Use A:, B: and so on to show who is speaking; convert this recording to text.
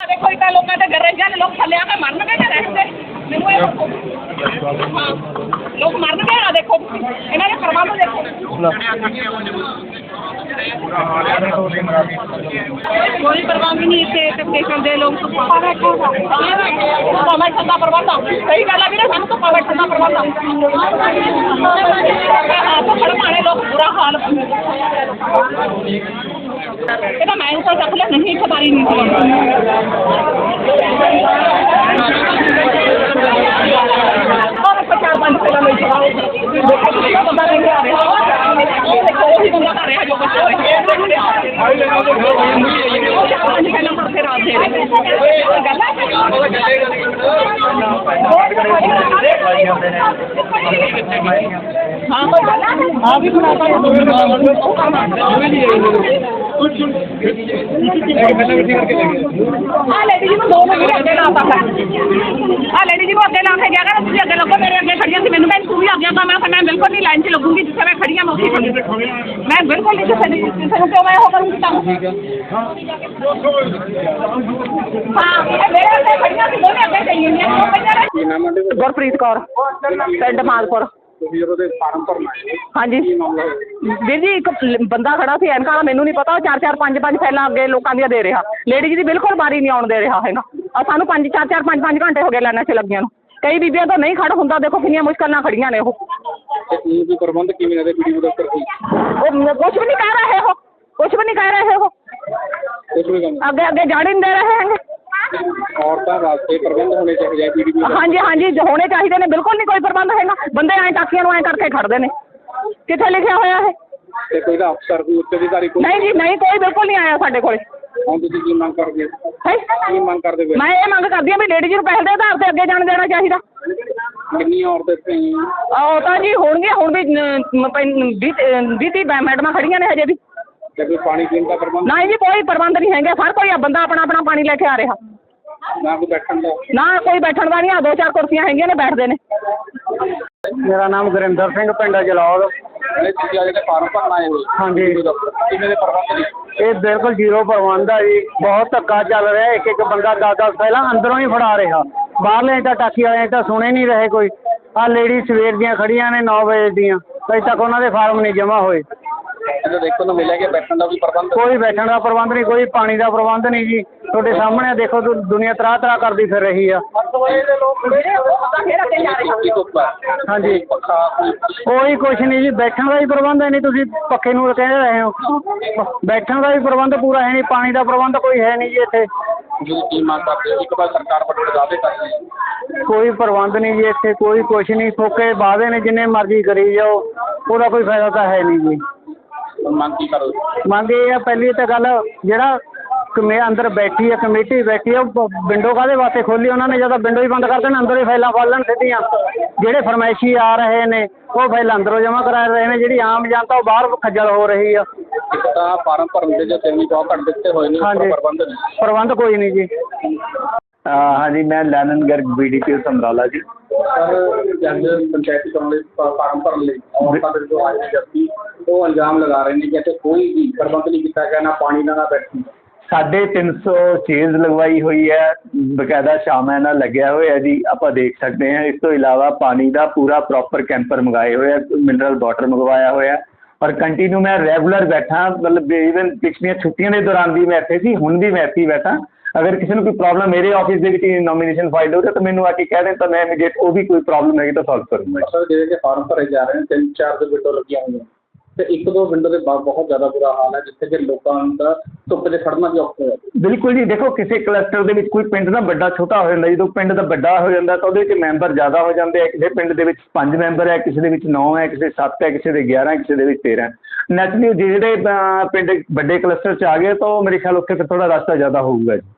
A: ਦੇਖੋ ਇੱਦਾਂ ਲੋਕਾਂ ਦੇ ਗਰੇਜਾਂ ਦੇ ਲੋਕ ਥੱਲੇ ਆ ਕੇ ਮਰਨਗੇ ਜਾਂ ਰਹਿਣਗੇ ਮੈਨੂੰ ਇਹ ਦੱਸੋ। ਹਾਂ ਲੋਕ ਮਰਨਗੇ ਆ ਦੇਖੋ ਇਹਨਾਂ ਦੇ ਪ੍ਰਬੰਧ ਦੇਖੋ। ਕੋਈ ਪ੍ਰਬੰਧ ਨਹੀਂ ਇੱਥੇ ਸਟੇਸ਼ਨ ਦੇ ਲੋਕ ਧੁੱਪਾਂ ਬੈਠਣ ਦਾ ਪ੍ਰਬੰਧ ਆ। ਸਹੀ ਗੱਲ ਆ ਵੀਰੇ ਸਾਨੂੰ ਧੁੱਪਾਂ ਬੈਠਣ ਦਾ ਪ੍ਰਬੰਧ ਆ। ਮਾੜੇ ਲੋਕ ਬੁਰਾ ਹਾਲ ਇਹ ਤਾਂ ਮੈਂ ਉੱਪਰ ਚੱਕ ਲਿਆ ਨਹੀਂ ਖਬਾਰੀ ਨਹੀਂ ਚਾਰ ਪੰਜ ਪਹਿਲਾਂ ਲਈ ਬੰਦਾ ਲੈ ਕੇ ਆ ਰਿਹਾ ਉਹੀ ਬੰਦਾ ਕਰ ਰਿਹਾ ਜੋ ਬੱਚਾ ਪੰਜ ਪਹਿਲਾਂ ਮੁੜ ਕੇ ਰਾਤ ਦੇ ਹਾਂ ਕੋਈ ਗੱਲ ਆ ਵੀ ਬਣਾ ਲੇਡੀ ਜੀ ਨੂੰ 2 ਮਿੰਟ ਅੱਗੇ ਲਾ ਤਾ ਲੇਡੀ ਜੀ ਨੂੰ ਅੱਗੇ ਲਾ ਕੇ ਗਿਆ ਕਰ ਤੁਸੀਂ ਅੱਗੇ ਲੱਗੋ ਮੇਰੇ ਅੱਗੇ ਖੜੀਆਂ ਸੀ ਮੈਨੂੰ ਤੂੰ ਵੀ ਅੱਗੇ ਮੈਂ ਬਿਲਕੁਲ ਨਹੀਂ ਲਾਈਨ 'ਚ ਲੱਗੂਗੀ ਜਿੱਥੇ ਮੈਂ ਖੜੀ ਹਾਂ ਮੈਂ ਉੱਥੇ ਮੈਂ ਬਿਲਕੁਲ ਨਹੀਂ ਕਿਸੇ ਨੂੰ ਕਿਉਂ ਮੈਂ ਉਹ ਕਰੂੰਗੀ ਤਾਂ ਹਾਂ ਮੇਰੇ ਅੱਗੇ ਖੜੀਆਂ ਸੀ ਦੋਨੇ ਅੱਗੇ ਚੱਲੀ ਜਾਂਦੀਆਂ ਗੁਰਪ੍ਰੀਤ ਕੌਰ ਪਿੰਡ ਮਾਲਪੁਰ ਹਾਂਜੀ ਵੀਰ ਜੀ ਇੱਕ ਬੰਦਾ ਖੜਾ ਸੀ ਐਨਕਾਂ ਵਾਲਾ ਮੈਨੂੰ ਨਹੀਂ ਪਤਾ ਉਹ 4-4 5-5 ਫੈਲਾਂ ਅੱਗੇ ਲੋਕਾਂ ਦੀਆਂ ਦੇ ਰਿਹਾ ਲੇਡੀ ਜੀ ਦੀ ਬਿਲਕੁਲ ਬਾਰੀ ਨਹੀਂ ਆਉਣ ਦੇ ਰਿਹਾ ਹੈਗਾ ਸਾਨੂੰ 4-4 5-5 ਘੰਟੇ ਹੋ ਗਏ ਲਾਈਨਾਂ 'ਚ ਲੱਗੀਆਂ ਨੂੰ ਕਈ ਬੀਬੀਆਂ ਤਾਂ ਨਹੀਂ ਖੜ ਹੁੰਦਾ ਦੇਖੋ ਕਿੰਨੀਆਂ ਮੁਸ਼ਕਿਲ ਨਾਲ ਖੜੀਆਂ ਨੇ ਉਹ
B: ਪ੍ਰਬੰਧ ਕਿਵੇਂ ਦੇ ਵੀਡੀਓ ਦੇ ਉੱਪਰ
A: ਉਹ ਕੁਛ ਵੀ ਨਹੀਂ ਕਹਿ ਰਹੇ ਉਹ ਕੁਛ ਵੀ ਨਹੀਂ ਕਹਿ ਰਹੇ ਉਹ ਅੱਗੇ ਅੱਗੇ ਜਾਣ ਹੀ ਨਹੀਂ ਦੇ ਰਹੇ ਹੈਗੇ
B: ਔਰਤਾਂ ਵਾਸਤੇ ਪ੍ਰਬੰਧ ਹੋਣੇ ਚਾਹੀਦੇ
A: ਹਾਂਜੀ ਹਾਂਜੀ ਹੋਣੇ ਚਾਹੀਦੇ ਨੇ ਬਿਲਕੁਲ ਨਹੀਂ ਕੋਈ ਪ੍ਰਬੰਧ ਹੈਗਾ ਬੰਦੇ ਐਂ ਟਾਕੀਆਂ ਨੂੰ ਐਂ ਕਰਕੇ ਖੜਦੇ ਨੇ ਕਿੱਥੇ ਲਿਖਿਆ ਹੋਇਆ ਹੈ
B: ਤੇ ਕੋਈ ਦਾ ਅਫਸਰ ਕੋਈ ਉੱਚ ਅਧਿਕਾਰੀ
A: ਨਹੀਂ ਜੀ ਨਹੀਂ ਕੋਈ ਬਿਲਕੁਲ ਨਹੀਂ ਆਇਆ ਸਾਡੇ ਕੋਲੇ
B: ਹੁਣ ਤੁਸੀਂ ਕੀ ਮੰਗ ਕਰਦੇ ਕੀ ਮੰਗ ਕਰਦੇ
A: ਮੈਂ ਇਹ ਮੰਗ ਕਰਦੀ ਹਾਂ ਵੀ ਲੇਡੀ ਜੀ ਨੂੰ ਪਹਿਲ ਦੇ ਆਧਾਰ ਤੇ ਅੱਗੇ ਜਾਣ ਦੇਣਾ ਚਾਹੀਦਾ
B: ਕਿੰਨੀਆਂ ਔਰਤਾਂ ਇੱਥੇ
A: ਉਹ ਤਾਂ ਜੀ ਹੋਣਗੀਆਂ ਹੁਣ ਵੀ 20-30 ਮੈਡਮਾਂ ਖੜੀਆਂ ਨੇ ਹਜੇ ਵੀ
B: ਤੇ ਕੋਈ ਪਾਣੀ ਪੀਣ ਦਾ ਪ੍ਰਬੰਧ
A: ਨਹੀਂ ਜੀ ਕੋਈ ਪ੍ਰਬੰਧ ਨਹੀਂ ਹੈਗਾ ਹਰ ਕੋਈ ਬੰਦਾ ਆਪਣਾ ਆਪਣਾ ਪਾਣੀ ਲੈ ਕੇ ਆ ਰਿਹਾ
B: ਨਾ ਕੋਈ ਬੈਠਣ ਦਾ
A: ਨਾ ਕੋਈ ਬੈਠਣ ਦਾ ਨਹੀਂ ਆ 2-4 ਕੁਰਸੀਆਂ ਹੈਗੀਆਂ ਨੇ ਬੈਠਦੇ ਨੇ
C: ਮੇਰਾ ਨਾਮ ਗੁਰਿੰਦਰ ਸਿੰਘ ਪਿੰਡ ਜਲੌਰ
B: ਤੁਸੀਂ ਜਿਹੜੇ ਫਾਰਮ ਭਰਨ ਆਏ ਹੋ
C: ਹਾਂਜੀ
B: ਕਿਵੇਂ ਦੇ ਪ੍ਰਬੰਧ ਨੇ
C: ਇਹ ਬਿਲਕੁਲ ਜ਼ੀਰੋ ਪ੍ਰਬੰਧ ਆ ਜੀ ਬਹੁਤ ਧੱਕਾ ਚੱਲ ਰਿਹਾ ਇੱਕ ਇੱਕ ਬੰਦਾ 10-10 ਪਹਿਲਾਂ ਅੰਦਰੋਂ ਹੀ ਫੜਾ ਰਿਹਾ ਬਾਹਰਲੇ ਤਾਂ ਟਾਕੀ ਵਾਲੇ ਤਾਂ ਸੁਣੇ ਨਹੀਂ ਰਹੇ ਕੋਈ ਆਹ ਲੇਡੀ ਸਵੇਰ ਦੀਆਂ ਖੜੀਆਂ ਨੇ 9 ਵਜੇ ਦੀਆਂ ਅਜੇ ਤੱਕ ਉਹਨਾਂ ਦੇ ਫਾਰਮ ਨਹੀਂ ਜਮ੍ਹਾਂ ਹੋਏ
B: ਇਹਦਾ ਦੇਖੋ ਨੂੰ ਮਿਲਿਆ ਕਿ ਬੈਠਣ ਦਾ ਵੀ ਪ੍ਰਬੰਧ
C: ਕੋਈ ਬੈਠਣ ਦਾ ਪ੍ਰਬੰਧ ਨਹੀਂ ਕੋਈ ਪਾਣੀ ਦਾ ਪ੍ਰਬੰਧ ਨਹੀਂ ਜੀ ਤੁਹਾਡੇ ਸਾਹਮਣੇ ਦੇਖੋ ਦੁਨੀਆ ਤਰਾਹ ਕਰਦੀ ਫਿਰ ਰਹੀ ਆ ਹਾਂਜੀ ਕੋਈ ਕੁਛ ਨਹੀਂ ਜੀ ਬੈਠਣ ਦਾ ਹੀ ਪ੍ਰਬੰਧ ਹੈ ਨਹੀਂ ਤੁਸੀਂ ਪੱਖੇ ਨੂੰ ਕਹਿ ਰਹੇ ਹੋ ਬੈਠਣ ਦਾ ਵੀ ਪ੍ਰਬੰਧ ਪੂਰਾ ਹੈ ਨਹੀਂ ਪਾਣੀ ਦਾ ਪ੍ਰਬੰਧ ਕੋਈ ਹੈ ਨਹੀਂ ਜੀ ਇੱਥੇ
B: ਕੀ ਮੰਗ ਕਰਦੇ ਹੋ ਇੱਕ ਵਾਰ ਸਰਕਾਰ ਵੱਲੋਂ ਦਾਅਵੇ ਕਰਦੇ
C: ਕੋਈ ਪ੍ਰਬੰਧ ਨਹੀਂ ਜੀ ਇੱਥੇ ਕੋਈ ਕੁਛ ਨਹੀਂ ਫੋਕੇ ਵਾਅਦੇ ਨੇ ਜਿੰਨੇ ਮਰਜ਼ੀ ਕਰੀ ਜਾਓ ਉਹਦਾ ਕੋਈ ਫਾਇਦਾ ਤਾਂ ਹੈ ਨਹੀਂ ਜੀ
B: ਮੰਗ ਕੀ ਕਰੋ
C: ਮੰਗ ਇਹ ਆ ਪਹਿਲੀ ਤਾਂ ਗੱਲ ਜਿਹੜਾ ਅੰਦਰ ਬੈਠੀ ਆ ਕਮੇਟੀ ਬੈਠੀ ਆ ਉਹ ਵਿੰਡੋ ਕਾਹਦੇ ਵਾਸਤੇ ਖੋਲੀ ਉਹਨਾਂ ਨੇ ਜਦੋਂ ਵਿੰਡੋ ਹੀ ਬੰਦ ਕਰ ਦੇਣ ਅੰਦਰ ਹੀ ਫਾਈਲਾਂ ਫੜ ਲੈਣ ਸਿੱਧੀਆਂ ਜਿਹੜੇ ਫਰਮਾਇਸ਼ੀ ਆ ਰਹੇ ਨੇ ਉਹ ਫਾਈਲ ਅੰਦਰੋਂ ਜਮ੍ਹਾਂ ਕਰਾ ਰਹੇ ਨੇ ਜਿਹੜੀ ਆਮ ਜਨਤਾ ਉਹ ਬਾਹਰ ਖੱਜਲ ਹੋ ਰਹੀ ਆ
B: ਇੱਕ ਤਾਂ ਫਾਰਮ ਭਰਨ ਦੇ ਜੋ ਤਿੰਨ ਬਹੁਤ ਘੱਟ ਦਿੱਤੇ ਹੋਏ ਨੇ ਪ੍ਰਬੰਧ
C: ਪ੍ਰਬੰਧ ਕੋਈ ਨਹੀਂ ਜੀ
D: ਹਾਂਜੀ ਮੈਂ ਲੈਨਨ ਗਰਗ BDPO ਸਮਰਾਲਾ ਜੀ
B: ਸਰ ਜੰਗ ਪੰਚਾਇਤੀ ਚੋਣ ਲਈ ਫਾਰਮ ਭਰਨ ਲਈ ਔਰਤਾਂ ਦੇ ਜੋ ਆਏ ਨੇ ਜੱਤੀ ਉਹ ਇਲਜ਼ਾਮ ਲਗਾ ਰਹੇ ਨੇ ਕਿ ਇੱਥੇ ਕੋਈ ਵੀ ਪ੍ਰਬੰਧ ਨਹੀਂ ਕੀਤਾ ਗਿਆ ਨਾ ਪਾਣੀ ਦਾ ਨਾ ਬੈਠਣ
D: 350 ਚੇਅਰਸ ਲਗਵਾਈ ਹੋਈ ਹੈ ਬਕਾਇਦਾ ਸ਼ਾਮਾਂ ਨਾਲ ਲੱਗਿਆ ਹੋਇਆ ਜੀ ਆਪਾਂ ਦੇਖ ਸਕਦੇ ਹਾਂ ਇਸ ਤੋਂ ਇਲਾਵਾ ਪਾਣੀ ਦਾ ਪੂਰਾ ਪ੍ਰੋਪਰ ਕੈਂਪਰ ਮੰਗਾਏ ਹੋਏ ਆ ਮਿਨਰਲ ਵਾਟਰ ਮੰਗਵਾਇਆ ਹੋਇਆ ਔਰ ਕੰਟੀਨਿਊ ਮੈਂ ਰੈਗੂਲਰ ਬੈਠਾ ਮਤਲਬ ਈਵਨ ਪਿਛਲੀਆਂ ਛੁੱਟੀਆਂ ਦੇ ਦੌਰਾਨ ਵੀ ਮੈਂ ਇੱਥੇ ਸੀ ਹੁਣ ਵੀ ਮੈਂ ਇੱਥੇ ਬੈਠਾ ਅਗਰ ਕਿਸੇ ਨੂੰ ਕੋਈ ਪ੍ਰੋਬਲਮ ਮੇਰੇ ਆਫਿਸ ਦੇ ਵਿੱਚ ਨੋਮੀਨੇਸ਼ਨ ਫਾਈਲ ਹੋ ਰਿਹਾ ਤਾਂ ਮੈਨੂੰ ਆ ਕੇ ਕਹਿ ਦੇਣ ਤਾਂ ਮੈਂ ਇਮੀਡੀਏਟ ਉਹ ਵੀ ਕੋਈ ਪ੍ਰੋਬਲਮ ਹੈਗੀ ਤਾਂ ਸੋਲਵ ਕਰੂੰਗਾ
B: ਸਰ ਜਿਹੜੇ ਕਿ ਫਾਰਮ ਭਰੇ ਜਾ ਰਹੇ ਨੇ 3-4 ਦੇ ਵਿੰਡੋ ਲੱਗੀਆਂ ਹੋਈਆਂ ਤੇ 1-2 ਵਿੰਡੋ ਦੇ ਬਹੁਤ ਜ਼ਿਆਦਾ ਬੁਰਾ ਹਾਲ ਹੈ ਜਿੱਥੇ ਕਿ ਲੋਕਾਂ ਦਾ ਧੁੱਪ 'ਚ ਖੜਨਾ ਵੀ ਔਖਾ ਹੋਇਆ
D: ਬਿਲਕੁਲ ਜੀ ਦੇਖੋ ਕਿਸੇ ਕਲਸਟਰ ਦੇ ਵਿੱਚ ਕੋਈ ਪਿੰਡ ਦਾ ਵੱਡਾ ਛੋਟਾ ਹੋ ਜਾਂਦਾ ਜਦੋਂ ਪਿੰਡ ਦਾ ਵੱਡਾ ਹੋ ਜਾਂਦਾ ਤਾਂ ਉਹਦੇ ਵਿੱਚ ਮੈਂਬਰ ਜ਼ਿਆਦਾ ਹੋ ਜਾਂਦੇ ਆ ਕਿਸੇ ਪਿੰਡ ਦੇ ਵਿੱਚ 5 ਮੈਂਬਰ ਹੈ ਕਿਸੇ ਦੇ ਵਿੱਚ 9 ਹੈ ਕਿਸੇ 7 ਹੈ ਕਿਸੇ ਦੇ 11 ਕਿਸੇ ਦੇ ਵਿੱਚ 13 ਨੈਚੁਰਲੀ ਜਿਹੜੇ ਪਿੰਡ ਵੱਡੇ ਕਲਸਟਰ 'ਚ ਆ ਗਏ ਤਾਂ ਉਹ ਮੇਰੇ ਖਿਆਲ ਉੱਥੇ ਫਿਰ ਥੋੜ੍ਹਾ ਰਸਤਾ ਜ਼ਿਆਦਾ ਹੋਊਗਾ ਜੀ